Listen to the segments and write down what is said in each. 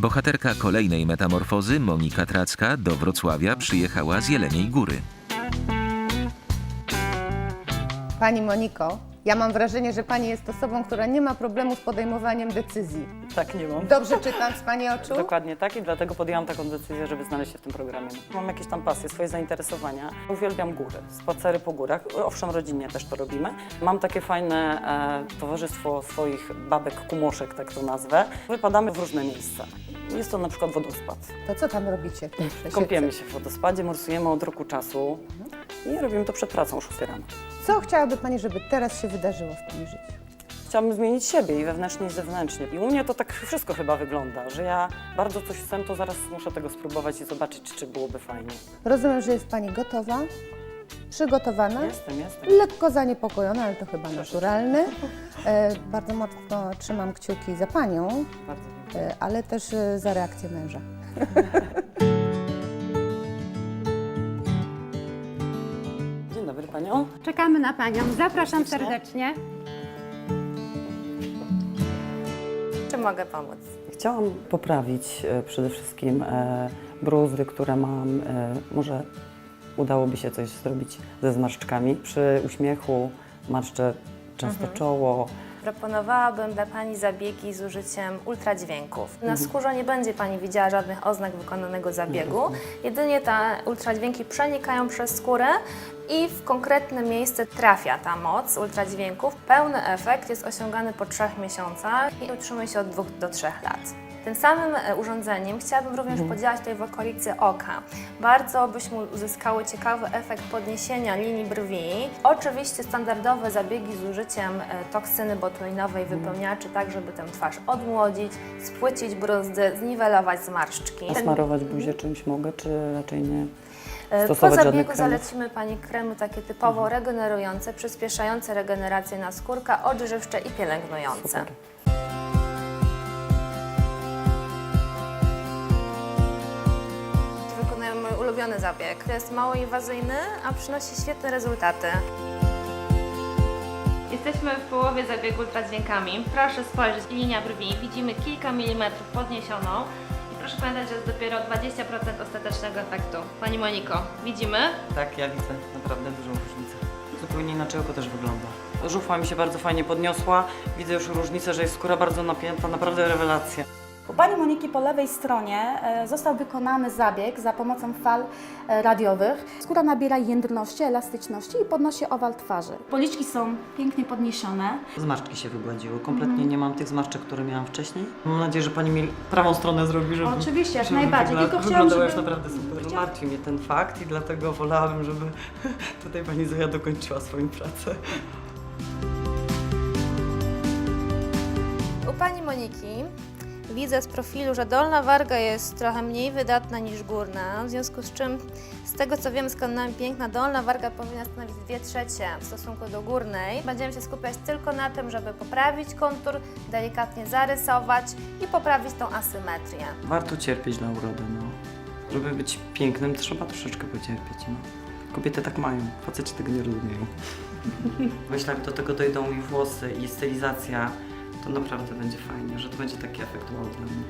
Bohaterka kolejnej metamorfozy, Monika Tracka, do Wrocławia przyjechała z Jeleniej Góry. Pani Moniko, ja mam wrażenie, że Pani jest osobą, która nie ma problemu z podejmowaniem decyzji. Tak, nie mam. Dobrze czytam z Pani oczu? Dokładnie tak i dlatego podjęłam taką decyzję, żeby znaleźć się w tym programie. Mam jakieś tam pasje, swoje zainteresowania. Uwielbiam góry, spacery po górach. Owszem, rodzinnie też to robimy. Mam takie fajne towarzystwo swoich babek, kumoszek, tak to nazwę. Wypadamy w różne miejsca. Jest to na przykład wodospad. To co tam robicie w tej przesiedce? Kąpiemy się w wodospadzie, morsujemy od roku czasu i robimy to przed pracą o 6 rano. Co chciałaby Pani, żeby teraz się wydarzyło w Pani życiu? Chciałabym zmienić siebie i wewnętrznie, i zewnętrznie. I u mnie to tak wszystko chyba wygląda, że ja bardzo coś chcę, to zaraz muszę tego spróbować i zobaczyć, czy byłoby fajnie. Rozumiem, że jest Pani gotowa, przygotowana, Jestem. lekko zaniepokojona, ale to chyba naturalne. Bardzo mocno trzymam kciuki za Panią, Bardzo dziękuję. ale też za reakcję męża. Dzień dobry Panią. Czekamy na Panią. Zapraszam serdecznie. Czy mogę pomóc? Chciałam poprawić przede wszystkim bruzdy, które mam. Może udałoby się coś zrobić ze zmarszczkami. Przy uśmiechu marszczę często czoło. Proponowałabym dla Pani zabiegi z użyciem ultradźwięków. Na skórze nie będzie Pani widziała żadnych oznak wykonanego zabiegu. Jedynie te ultradźwięki przenikają przez skórę i w konkretne miejsce trafia ta moc ultradźwięków. Pełny efekt jest osiągany po 3 miesiącach i utrzymuje się od 2 do 3 lat. Tym samym urządzeniem chciałabym również podziałać tutaj w okolicy oka. Bardzo byśmy uzyskały ciekawy efekt podniesienia linii brwi. Oczywiście standardowe zabiegi z użyciem toksyny botulinowej, wypełniaczy, tak żeby tę twarz odmłodzić, spłycić bruzdy, zniwelować zmarszczki. A smarować buzię czymś mogę, czy raczej nie? Po Stosować żadnych zabiegu kremów? zalecimy Pani kremy takie typowo regenerujące, przyspieszające regenerację naskórka, odżywcze i pielęgnujące. Super. Wykonujemy mój ulubiony zabieg. To jest mało inwazyjny, a przynosi świetne rezultaty. Jesteśmy w połowie zabiegu ultradźwiękami. Proszę spojrzeć, linia brwi, widzimy kilka milimetrów podniesioną i proszę pamiętać, że jest dopiero 20% ostatecznego efektu. Pani Moniko, widzimy? Tak, ja widzę naprawdę dużą różnicę. Zupełnie inaczej oko też wygląda. Żuchwa mi się bardzo fajnie podniosła. Widzę już różnicę, że jest skóra bardzo napięta, naprawdę rewelacja. U Pani Moniki po lewej stronie został wykonany zabieg za pomocą fal radiowych. Skóra nabiera jędrności, elastyczności i podnosi owal twarzy. Policzki są pięknie podniesione. Zmarszczki się wygładziły. Kompletnie nie mam tych zmarszczek, które miałam wcześniej. Mam nadzieję, że Pani mi prawą stronę zrobi, żeby... Oczywiście, jak żeby najbardziej. Tylko chciałam, wyglądała już żeby... naprawdę super. Martwi mnie ten fakt i dlatego wolałabym, żeby tutaj Pani Zoja dokończyła swoją pracę. U Pani Moniki widzę z profilu, że dolna warga jest trochę mniej wydatna niż górna, w związku z czym, z tego co wiem z kanałami Piękna, dolna warga powinna stanowić 2/3 w stosunku do górnej. Będziemy się skupiać tylko na tym, żeby poprawić kontur, delikatnie zarysować i poprawić tą asymetrię. Warto cierpieć dla urody, no. Żeby być pięknym, trzeba troszeczkę pocierpieć, no. Kobiety tak mają, faceci tego nie rozumieją. Myślę, jak do tego dojdą i włosy, i stylizacja, to naprawdę będzie fajnie, że to będzie taki efekt wow dla mnie.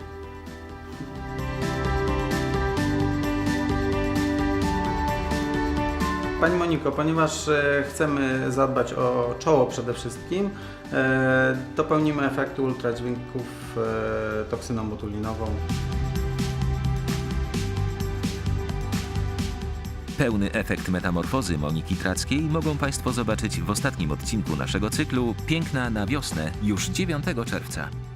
Pani Moniko, ponieważ chcemy zadbać o czoło przede wszystkim, dopełnimy efektu ultradźwięków toksyną botulinową. Pełny efekt metamorfozy Moniki Trackiej mogą Państwo zobaczyć w ostatnim odcinku naszego cyklu Piękna na wiosnę już 9 czerwca.